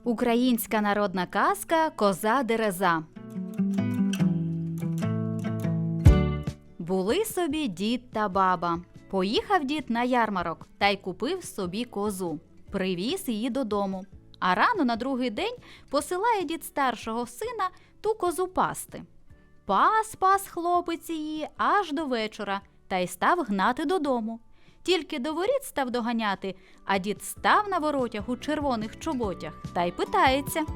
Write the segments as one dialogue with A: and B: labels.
A: Українська народна казка «Коза Дереза». Були собі дід та баба. Поїхав дід на ярмарок та й купив собі козу. Привіз її додому. А рано на другий день посилає дід старшого сина ту козу пасти. Пас хлопець її аж до вечора та й став гнати додому. Тільки до воріт став доганяти, а дід став на воротях у червоних чоботях та й питається.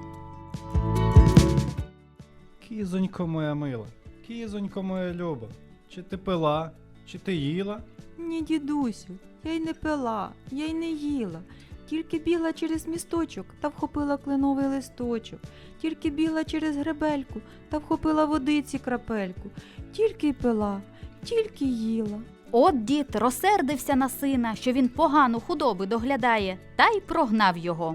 B: Кізонько моя мила, кізонько моя люба, чи ти пила, чи ти їла?
C: Ні, дідусю, я й не пила, я й не їла. Тільки бігла через місточок та вхопила кленовий листочок. Тільки бігла через гребельку та вхопила водиці крапельку. Тільки й пила, тільки їла.
A: От дід розсердився на сина, що він погану худоби доглядає, та й прогнав його.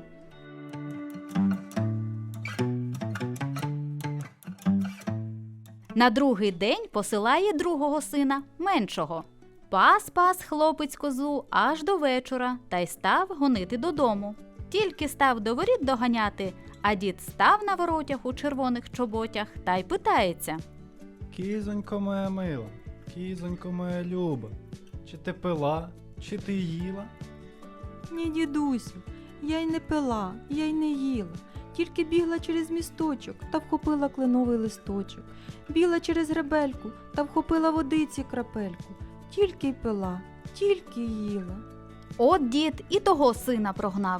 A: На другий день посилає другого сина, меншого. Пас хлопець козу аж до вечора та й став гонити додому. Тільки став до воріт доганяти, а дід став на воротях у червоних чоботях та й питається.
B: Кізонько моя мила, кізонько моя люба, чи ти пила, чи ти їла?
C: Ні, дідусю, я й не пила, я й не їла. Тільки бігла через місточок та вхопила кленовий листочок. Бігла через гребельку та вхопила водиці крапельку. Тільки й пила, тільки їла.
A: От дід і того сина прогнав.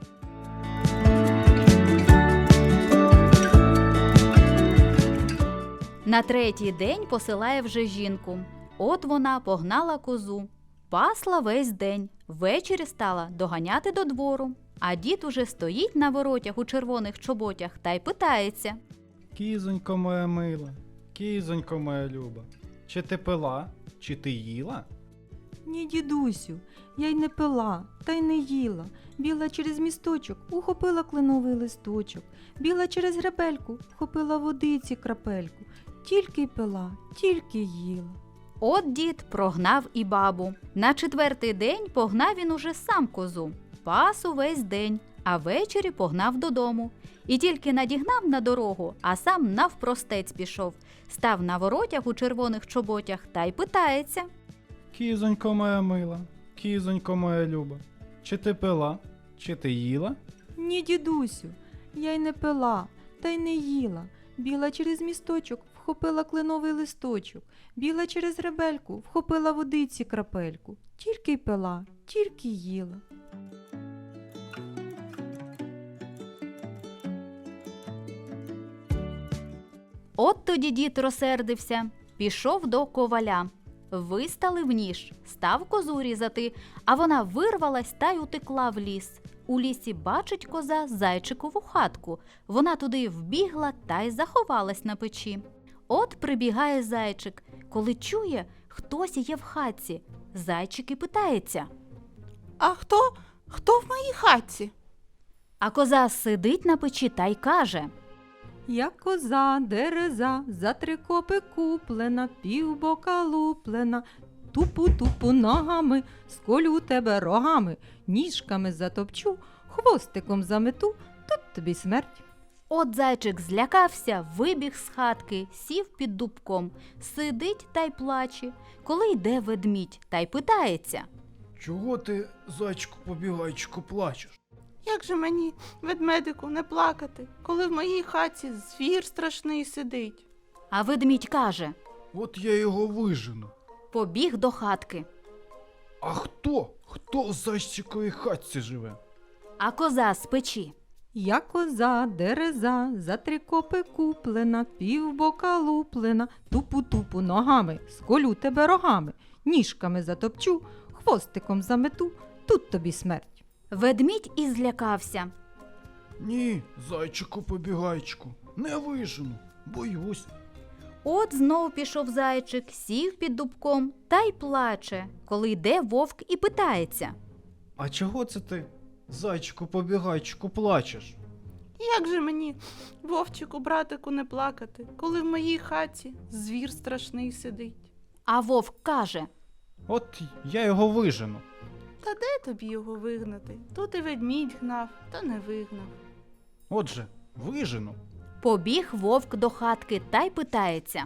A: На третій день посилає вже жінку. От вона погнала козу. Пасла весь день, ввечері стала доганяти до двору. А дід уже стоїть на воротях у червоних чоботях та й питається.
B: Кізонько моя мила, кізонько моя люба, чи ти пила, чи ти їла?
C: Ні, дідусю, я й не пила, та й не їла. Бігла через місточок, ухопила кленовий листочок. Бігла через гребельку, вхопила водиці крапельку. Тільки й пила, тільки їла.
A: От дід прогнав і бабу. На четвертий день погнав він уже сам козу. Пас увесь день, а ввечері погнав додому. І тільки надігнав на дорогу, а сам навпростець пішов. Став на воротях у червоних чоботях та й питається.
B: Кізонько моя мила, кізонько моя люба, чи ти пила, чи ти їла?
C: Ні, дідусю, я й не пила, та й не їла. Бігла через місточок, вхопила кленовий листочок. Бігла через гребельку, вхопила водиці крапельку. Тільки й пила, тільки їла.
A: От тоді дід розсердився, пішов до коваля. Виставив ніж, став козу різати, а вона вирвалась та й утекла в ліс. У лісі бачить коза зайчикову хатку. Вона туди вбігла та й заховалась на печі. От прибігає зайчик. Коли чує, хтось є в хатці, зайчик і питається.
D: А хто в моїй хатці?
A: А коза сидить на печі та й каже.
C: Я коза, дереза, за 3 копи куплена, півбока луплена. Тупу-тупу ногами, сколю тебе рогами, ніжками затопчу, хвостиком замету, тут тобі смерть.
A: От зайчик злякався, вибіг з хатки, сів під дубком, сидить та й плаче. Коли йде ведмідь та й питається.
B: Чого ти, зайчику-побігайчику, плачеш?
D: Як же мені, ведмедику, не плакати, коли в моїй хатці звір страшний сидить?
A: А ведмідь каже.
B: От я його вижену.
A: Побіг до хатки.
B: А хто в зайчиковій хатці живе?
A: А коза з печі.
C: Я коза, дереза, за 3 копи куплена, півбока луплена, тупу-тупу ногами, сколю тебе рогами, ніжками затопчу, хвостиком замету, тут тобі смерть.
A: Ведмідь і злякався.
B: Ні, зайчику-побігайчику, не вижену, боюсь.
A: От знов пішов зайчик, сів під дубком та й плаче, коли йде вовк і питається.
B: А чого це ти, зайчику-побігайчику, плачеш?
D: Як же мені, вовчику, братику, не плакати, коли в моїй хатці звір страшний сидить?
A: А вовк каже.
B: От я його вижену.
D: Та де тобі його вигнати? Тут і ведмідь гнав, та не вигнав.
B: Отже, вижену.
A: Побіг вовк до хатки та й питається.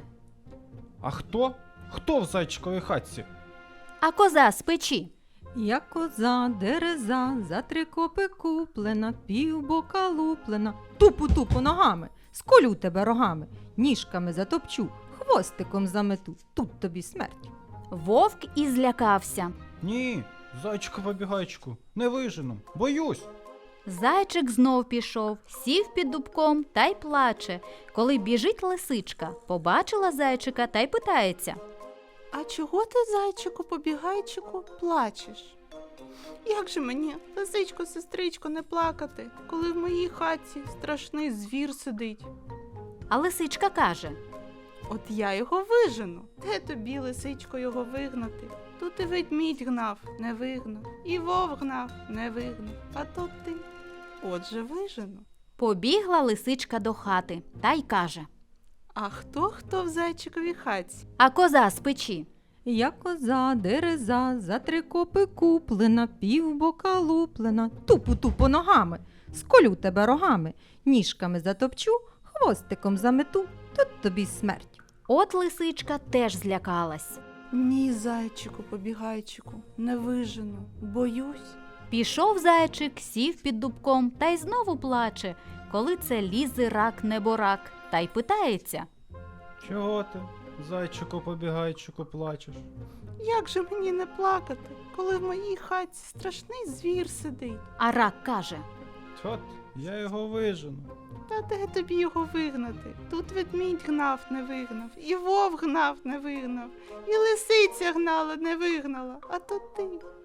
B: А хто? Хто в зайчиковій хатці?
A: А коза з печі.
C: Я коза, дереза, за 3 копи куплена, півбока луплена, тупу-тупу ногами, сколю тебе рогами, ніжками затопчу, хвостиком замету, тут тобі смерть.
A: Вовк і злякався.
B: Ні, зайчику-побігайчику, не вижену, боюсь.
A: Зайчик знов пішов, сів під дубком та й плаче. Коли біжить лисичка, побачила зайчика та й питається.
D: А чого ти, зайчику, побігайчику, плачеш? Як же мені, лисичко, сестричко, не плакати, коли в моїй хатці страшний звір сидить?
A: А лисичка каже.
D: От я його вижену. Де тобі, лисичко, його вигнати? Тут і ведмідь гнав, не вигнав, і вовк гнав, не вигнав, а то ти. Отже, вижену.
A: Побігла лисичка до хати та й каже.
D: А хто в зайчиковій хатці?
A: А коза з печі.
C: Я коза, дереза, за 3 копи куплена, півбока луплена, тупу-тупу ногами, сколю тебе рогами, ніжками затопчу, хвостиком замету, тут тобі смерть.
A: От лисичка теж злякалась.
D: Ні, зайчику, побігайчику, не вижену, боюсь.
A: Пішов зайчик, сів під дубком та й знову плаче, коли це лізе рак неборак, та й питається.
B: Чого ти, зайчику-побігайчику, плачеш?
D: Як же мені не плакати, коли в моїй хатці страшний звір сидить?
A: А рак каже.
B: От, я його вижену.
D: Та де тобі його вигнати? Тут ведмідь гнав, не вигнав, і вовк гнав, не вигнав, і лисиця гнала, не вигнала, а то ти.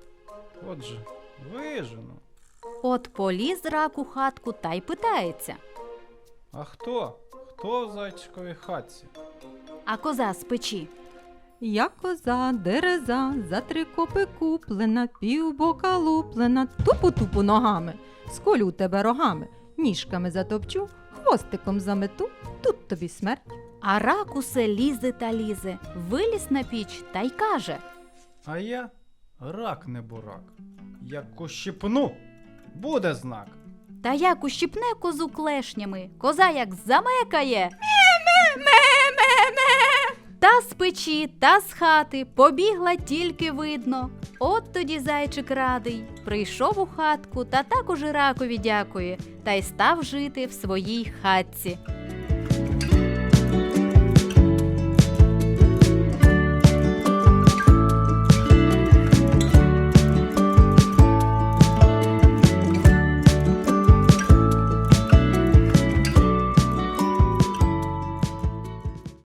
B: Отже, вижену.
A: От поліз рак у хатку та й питається.
B: А хто? Хто в зайчиковій хатці?
A: А коза з печі.
C: Я коза, дереза, за 3 копи куплена, півбока луплена, тупу-тупу ногами, сколю тебе рогами, ніжками затопчу, хвостиком замету, тут тобі смерть.
A: А рак усе лізе та лізе, виліз на піч та й каже.
B: А я рак не бурак. Як ущипну, буде знак.
A: Та як ущипне козу клешнями, коза як замекає. Та з печі, та з хати побігла тільки видно. От тоді зайчик радий, прийшов у хатку та також і ракові дякує, та й став жити в своїй хатці.